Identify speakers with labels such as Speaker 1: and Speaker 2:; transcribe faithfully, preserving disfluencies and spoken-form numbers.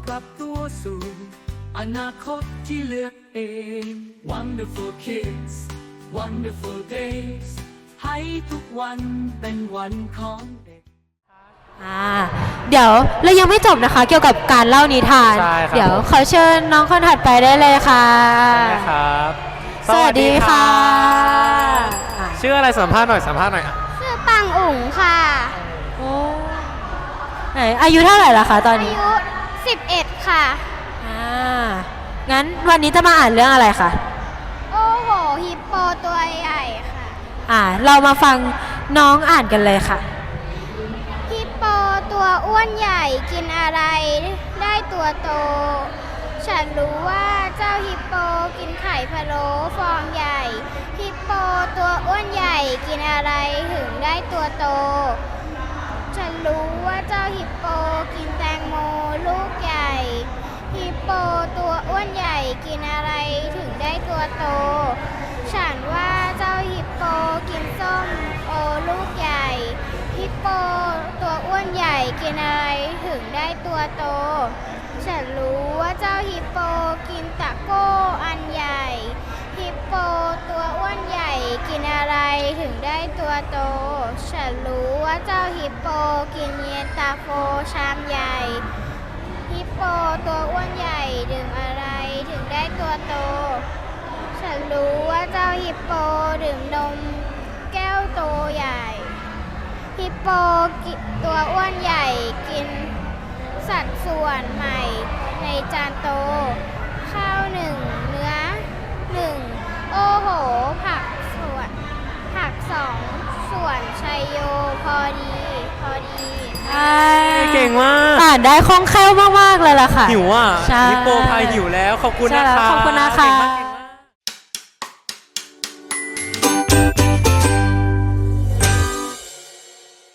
Speaker 1: ปรับตัวสู่อนาคตที่เลือกเอง Wonderful kids Wonderful days ให้ทุกวันเป็นวันของเด็ก
Speaker 2: อ่าเดี๋ยวเรายังไม่จบนะคะเกี่ยวกับการเล่านิทาน เดี๋ยวขอเชิญน้องคนถัดไปได้เลยค่ะ
Speaker 3: ใช่ครับ
Speaker 2: สวัสดีค่ะ
Speaker 3: ชื่ออะไรสัมภาษณ์หน่อยสัมภาษณ์หน่อย
Speaker 4: ชื่อปังอุ๋งค่ะ
Speaker 2: โอ้ไหนอายุเท่าไหร่ละคะตอนนี้
Speaker 4: อายุสิบเอ็ดค่ะ
Speaker 2: อ่างั้นวันนี้จะมาอ่านเรื่องอะไรคะ
Speaker 4: โอ้โหฮิปโปตัวใหญ่ค่ะ
Speaker 2: อ่าเรามาฟังน้องอ่านกันเลยค่ะ
Speaker 4: ฮิปโปตัวอ้วนใหญ่กินอะไรได้ตัวโตฉันรู้ว่าเจ้าฮิปโปกินไข่พะโล้ฟองใหญ่ฮิปโปตัวอ้วนใหญ่กินอะไรถึงได้ตัวโตฉันรู้ว่าเจ้าฮิปโปกินแตงโมลูกใหญ่ฮิปโปตัวอ้วนใหญ่กินอะไรถึงได้ตัวโตฉันว่าเจ้าฮิปโปกินส้มโอลูกใหญ่ฮิปโปตัวอ้วนใหญ่กินอะไรถึงได้ตัวโตฉันรู้ว่าเจ้าฮิปโปกินตะโก้อันใหญ่ฮิปโปตัวอ้วนใหญ่กินอะไรถึงได้ตัวโตฉันรู้ว่าเจ้าฮิปโปกินเย็นตาโฟชามใหญ่ฮิปโปตัวอ้วนใหญ่ดื่มอะไรถึงได้ตัวโตฉันรู้ว่าเจ้าฮิปโปดื่มนมแก้วโตใหญ่ฮิปโปตัวอ้วนใหญ่กินสัดส่วนใหม่ในจานโตข้าวหนึ่งเนื้อหนึ่งโอ้โหผักส่วนผักสองส่วนชัยโยพอดีพอดี
Speaker 3: เก่งมาก
Speaker 2: อ่านได้คล่องแคล่วมากๆเลยล่ะค่ะ
Speaker 3: หิวอ่ะ
Speaker 2: ฮิ
Speaker 3: ปโปพายหิวแล้วขอบคุณนะคะ
Speaker 2: ขอบคุณนะคะ